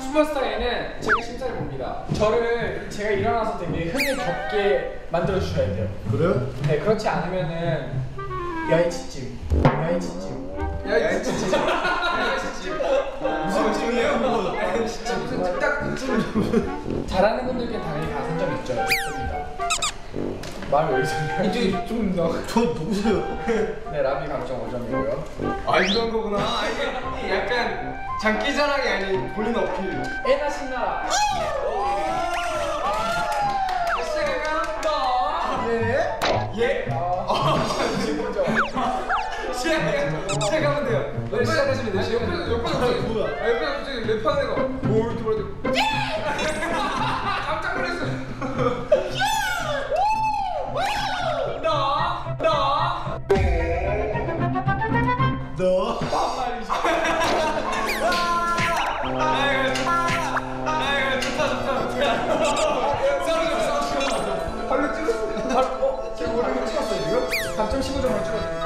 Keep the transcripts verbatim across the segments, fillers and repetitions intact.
슈퍼스타에는 제가 심사를 봅니다. 저를 제가 일어나서 되게 흥에 겹게 만들어 주셔야 돼요. 그래요? 네, 그렇지 않으면은 야이 찌찜, 야이 찌찜, 야이 찌찜, 야이 찌찜. 무슨 찜이에요? 진짜 무슨 딱 찜. 잘하는 분들께 당연히 가산점 있죠. 좋습니다. 말 왜 이러세요? 이제 좀 더. 저 누구세요? 네, 라비 감점 오 점이고요. 아 이런 거구나. 아, 이게 약간 장기자랑이 아닌 본인 어필. 에나 신나라. 시작하면 너. 예? 예? 아, 지금죠. 시작 시작하면 돼요. 네, 시작하시면 돼요. 옆에 옆에 갑자기 뭐야? 아, 옆에 갑자기 랩하는 애가 뭐 이렇게 말하더니 깜짝 놀랐어요. 너, 너. 너? 반말이지. 아이고 좋다. 아이고 좋다 좋다. 싸우죠 싸우죠. 발로 찔렀어. 바로 어? 제가 오랜만에 찍었어요 지금? 감점 십오 점을 찍었어요.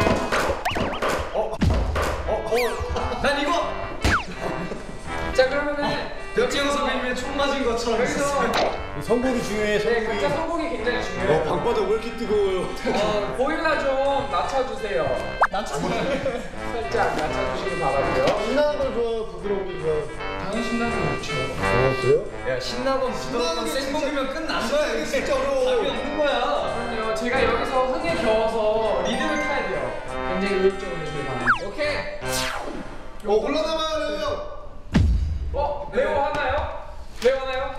어? 어? 어? 난 이거! 자 그러면은 백지영 선배님의 총 맞은 것처럼 여기서 성공이 중요해. 네 성공이. 각자 성공이 굉장히 어, 중요해요. 방바닥 왜 이렇게 뜨거워요? 어, 보일러 좀 낮춰주세요. 낮춰주세요. 살짝 낮춰주시기 바라고요. 신나는 걸 좋아, 부드러운 게 좋아. 당연히 신나는 거 좋죠. 어, 그래요? 야 신나건 부드러운 생목이면 끝난다. 이거 진짜 어려워. 답이 없는 거야. 그럼요. 제가 여기서 흥에 겨워서 리듬을 타야 돼요. 굉장히 의욕적으로 해주길 바랍니다. 오케이. 어, 올라가봐요. 어? 레오 하나요? 레오 하나요?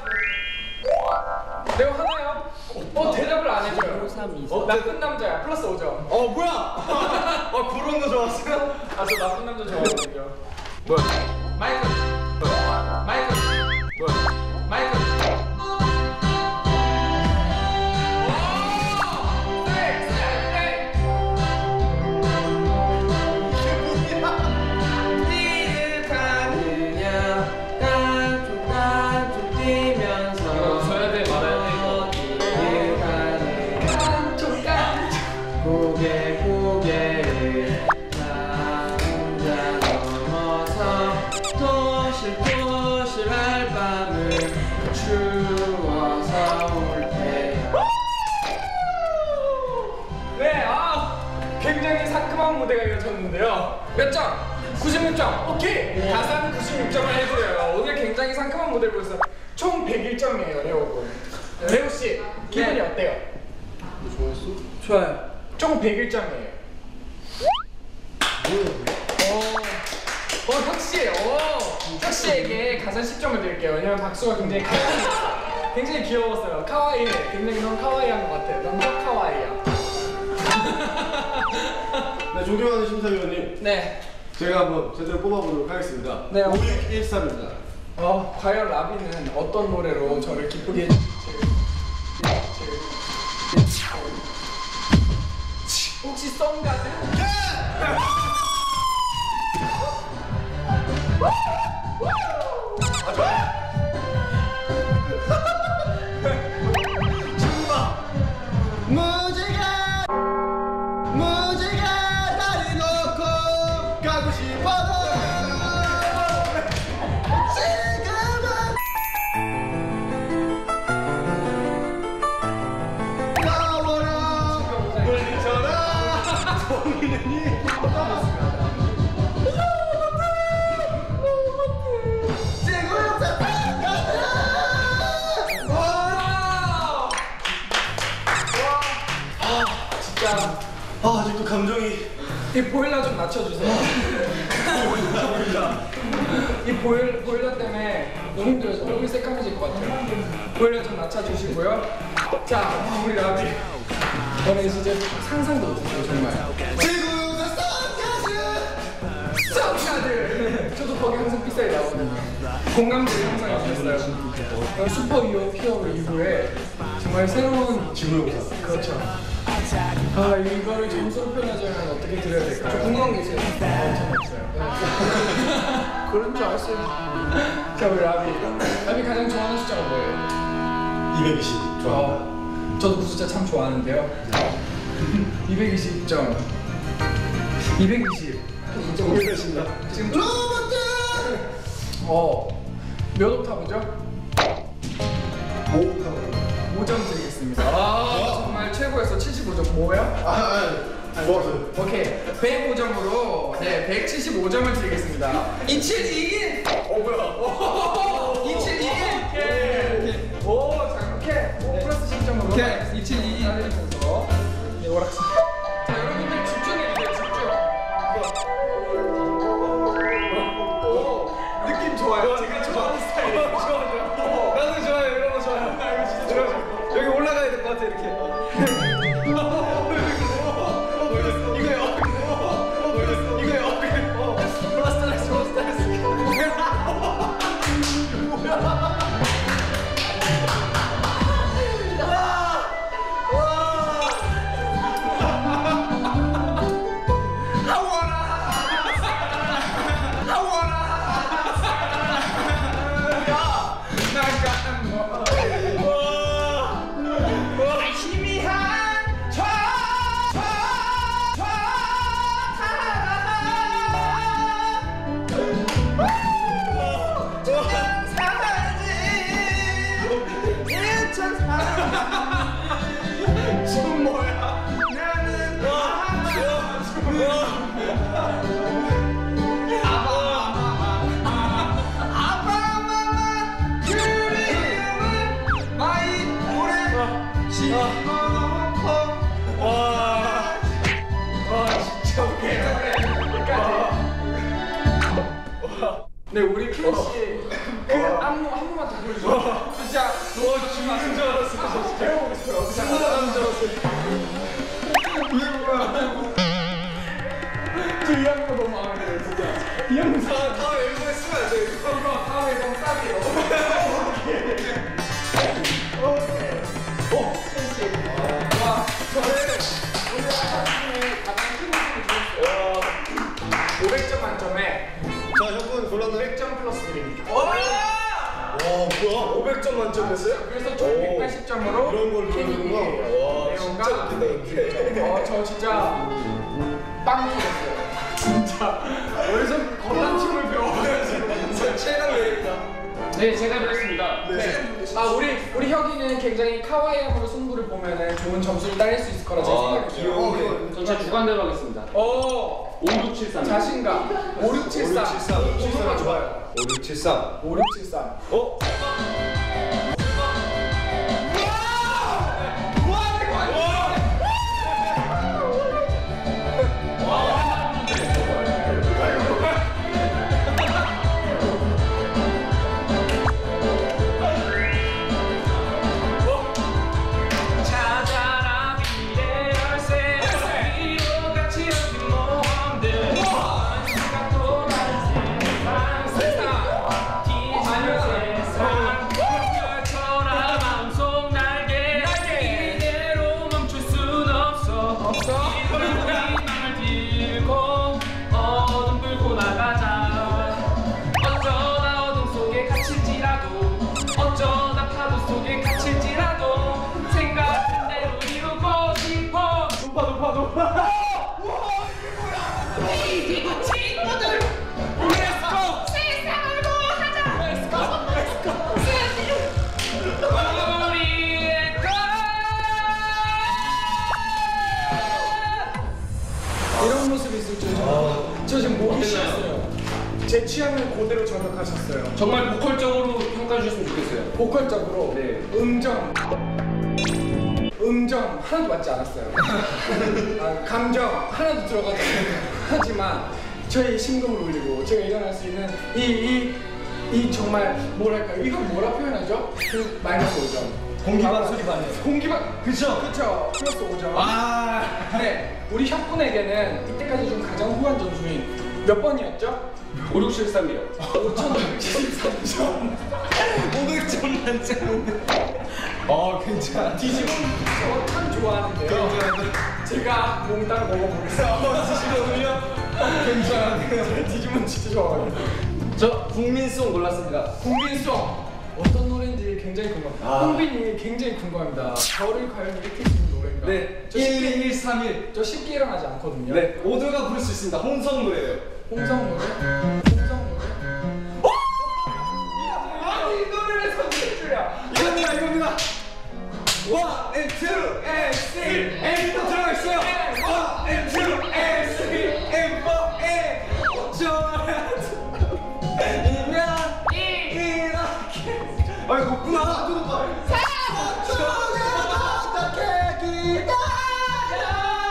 레오 하나요? 어? 대답을 안 해줘요. 어? 나쁜 남자야. 플러스 오 점. 어 뭐야? 어 그런 거 좋았어요? 아, 저 나쁜 남자 좋아하거든요. 뭐야? 마이클. 마이클. 뭐야? 마이클. 오! 네, 네, 네. 니를 가느냐 깐족 깐족 뛰면서 이거 써야 돼, 말아야 돼. 니를 가느냐 깐족 깐족. 고개 고개를 나 혼자 넘어서 토실토실할 밤을 추워서 올 때야. 네, 아, 굉장히 상큼한 무대가 이어졌는데요. 몇 점? 구십육 점. 오케이. 가산 구십육 점을 해드려요. 오늘 굉장히 상큼한 무대를 보여서 총 백일 점이에요, 레오군. 레오 씨, 기분이 네. 어때요? 좋아했어? 좋아요. 총 백일 점이에요. 어, 어, 혁씨, 어, 혁씨에게 가산 십 점을 드릴게요. 왜냐면 박수가 굉장히 카와이, 굉장히 귀여웠어요. 카와이, 굉장히 너무 카와이한 것 같아요. 너무 카와이야. 네, 존경하는 심사위원님. 네. 제가 한번 제대로 뽑아보도록 하겠습니다. 네. 오백 일십삼입니다. 어, 과연 라비는 어떤 노래로 저를 기쁘게 해줄지. 혹시 썸가드? 무지개 무지개 다리 놓고 가고 싶어도 지금은 나와라 물리쳐라 소민이 아, 아직도 감정이. 이 보일러 좀 낮춰주세요. 이 보일, 보일러 때문에 너무 힘들어서 얼굴이 새까매질 것 같아요. 보일러 좀 낮춰주시고요. 자, 우리 라비. 저는 진짜 상상도 못했어요, 정말. 지구가 썬가즈 썸가드! 저도 거기 항상 픽사에 나오거든요. 공감대를 항상 해주셨어요. 슈퍼 히어 히어로 이후에 정말 새로운 지구의 오사. 그렇죠. 아, 이거를 점수로 표현하자면 어떻게 드려야 될까요? 저 궁금한 게 있어요. 아, 전 없어요. 그런 줄 알았어요. 자, 우리 라비. 라비 가장 좋아하는 숫자가 뭐예요? 이백이십. 좋아. 어, 저도 그 숫자 참 좋아하는데요. 이백이십 점. 이백이십. 진짜 모르겠습니다. 지금 좀... 어, 몇 옥타브죠? 오 옥타브. 오 점 드리겠습니다. 아, 정말 최고였어. 칠십오 점. 뭐야? 아, 아, 좋았어요. 오케이. 백오 점으로 네, 백칠십오 점을 드리겠습니다. 이칠이일. 어, 뭐야? 오, 이칠이일. 오케이. 오, 자, 이렇게 오, 플러스 십 점으로 오케이. 이칠이일. 따내면서 네, 오락실. 자, 여러분들 집중해 주세요. 집중. 오, 느낌 좋아요. 제가 좋아하는 스타일이에요. 좋아, 좋아. 나도 좋아요. 이런 거 좋아요. 이거 진짜 좋아요. 여기 올라가야 될 것 같아 이렇게. 지금 뭐야? 나는 아바마마 그리움은 마이 오래 심어놓고 와 진짜 오케이 여기까지. 네 우리 큐 씨 그 안무 한 번만 더 보여주세요. 진짜 너무 죽는 줄 알았어. 배워보고 싶어요. 진짜 죽는 줄 알았어요. 저이 안무 너무 마음에 들어요. 진짜 이 안무 다 다음 앨범에 쓰면 안 돼요. 이거 다음 앨범 쌉이에요. 오케이. 오, 씨. 와, 저는 오늘 아침에 가장 큰 모습을 주었어요. 오백 점 만점에 자, 형분 골랐나요? 백 점 플러스 드립니다. 와, 뭐야? 오백 점 만점이었어요? 그래서 총 백팔십 점으로 이런 걸 케이크 보는구나. 와, 레오가 진짜 웃긴다, 근데. 어, 저 진짜 빵 터졌어요. 진짜 어디서 건담 춤을 배워가지고 진짜 최강 레이입니다. 네, 제가 그랬습니다. 네. 아 우리 우리 혁이는 굉장히 카와이함으로 승부를 보면은 좋은 점수를 따낼 수 있을 거라 제 생각이 들어요. 아, 귀여워. 전체 주관대로 하겠습니다. 오, 오육칠삼. 자신감. 오육칠삼. 번호가 좋아요. 오육칠삼. 오육칠삼. 어? 찾아라 미래 열쇠 이로 같이 여긴 모험들 생각도 다른 세상 세상 뒤지는 세상 펼쳐라 마음속 날개 이대로 멈출 순 없어 없어? 희망을 들고 어둠 끌고 나가자 어쩌다 어둠 속에 갇힐지라도 어쩌다 파도 속에 갇힐지라도 생각은 대로 이루고 싶어 높아 높아 높아 이기고 친구들 Let's go 세상을 구하자 Let's go Let's go 우리의 것 이런 모습이 있을 줄 저는 저 지금 목이 쉬었어요. 제 취향을 그대로 저격하셨어요. 정말 보컬적으로 평가해 주셨으면 좋겠어요. 보컬적으로 네. 음정 음정 하나도 맞지 않았어요. 아, 감정 하나도 들어가지 않았어요. 하지만 저의 심금을 울리고 제가 일어날 수 있는 이 이 이 정말 뭐랄까요? 이건 뭐라 표현하죠? 그 마이너스 오 점. 공기반 소리반이에요. 공기반 그쵸 그쵸 플러스 오 점. 아. 네 우리 혁분에게는 이때까지 준 가장 후한 점수인 몇 번이었죠? 오육칠삼이요. 오천육십삼 점. 오백 점 만점. 어 괜찮아. 뒤집은 저참 좋아하는데요. 제가 몽땅 먹어보겠습니다. 드시거든요. 괜찮아. 제가 뒤집은 진짜 좋아하거든요. 저 국민송 골랐습니다. 국민송 어떤 노래인지 굉장히 궁금합니다. 아. 홍빈이 굉장히 궁금합니다. 저를 과연 일으킬 수 있는 노래인가? 네. 저 쉽게, 일이일삼일. 저 쉽게 일어나지 않거든요. 네. 모두가 부를 수 있습니다. 홍성 노래예요. 홍성 노래? 홍성 노래? 원 and two and three and 또 들어가 있어요. 원 and two and three and four and 좋아요. 이면 이렇게 아 이거 높구나. 어떻게 기다려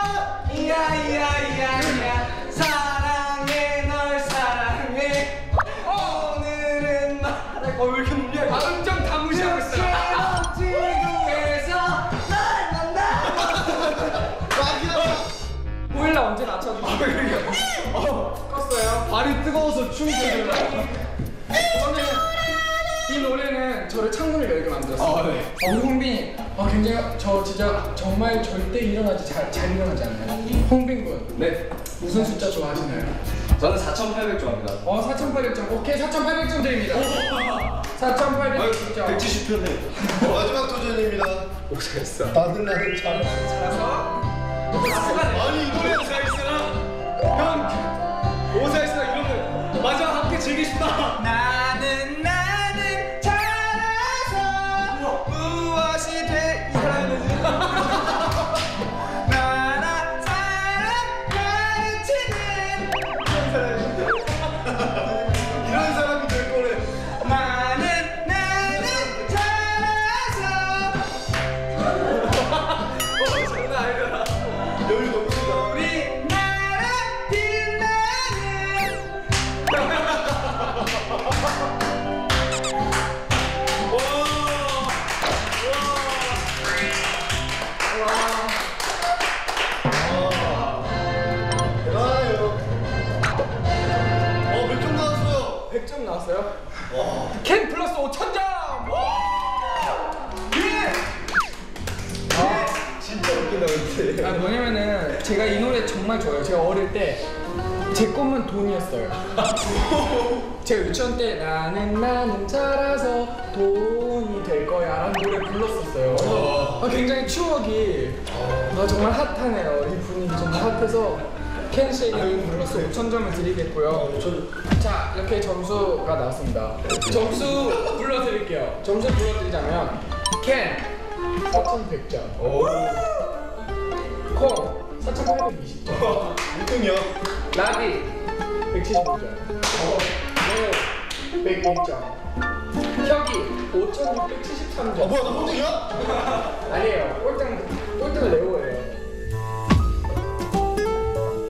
이야이야이야이야 사랑해 널 사랑해 오늘은 말해 어왜 이렇게 높냐 이거. 음정 다 무시하고 있어요. 지구에서 날 만나 보일러 언제 낮춰주고 어, 껐어요. 발이 뜨거워서 춤이 되더라. 저는 이 노래는 저를 창문을 열게 만들었어요. 아, 네. 어, 우리 홍빈이 어, 굉장히 저 진짜 정말 절대 일어나지 잘, 잘 일어나지 않나요? 홍빈 군 네. 무슨 숫자 좋아하시나요? 저는 사천팔백 좋아합니다. 어 사천팔백 점 오케이 사천팔백 점 드립니다. 사천팔백 점 백칠십 편에 마지막 도전입니다. 오사했어. 나는 나는 잘. 잘해서 아니 이 노래 오사했으나 형 오사했으나 이런 거 마지막 함께 즐기고 싶다. 나는 나는 잘해서 무엇이 돼? 이 사람이지. 나나 사랑 가르치는 이런 사람인데. 이런 사람이 될 거래. 나는 나는 잘해서 어 장난 아니잖아. 여기 너무 크다. 우리 나라 빛나는 대단해요. 어, 몇 점 나왔어요? 백 점 나왔어요. 와. 캔 플러스 오천 점. 예! 진짜 웃긴다 근데. 아 뭐냐면은 제가 이 노래 정말 좋아해요. 제가 어릴 때 제 꿈은 돈이었어요. 제가 유치원 때 나는 나는 자라서 돈이 될 거야 라는 노래 불렀었어요. 그래서 아, 굉장히 추억이 아, 정말 핫하네요. 이 분위기 정말 핫해서 켄 씨에게 불러서 오천 점을 드리겠고요. 자 이렇게 점수가 나왔습니다. 점수 불러드릴게요. 점수 불러드리자면 켄 사천백 점, 콩 사천팔백이십 점, 일 등이요. 라비 백칠십오 점, 네 백일 점, 혁이 오천육백칠십삼 아 점. 뭐야 나 꼴등이야? 아니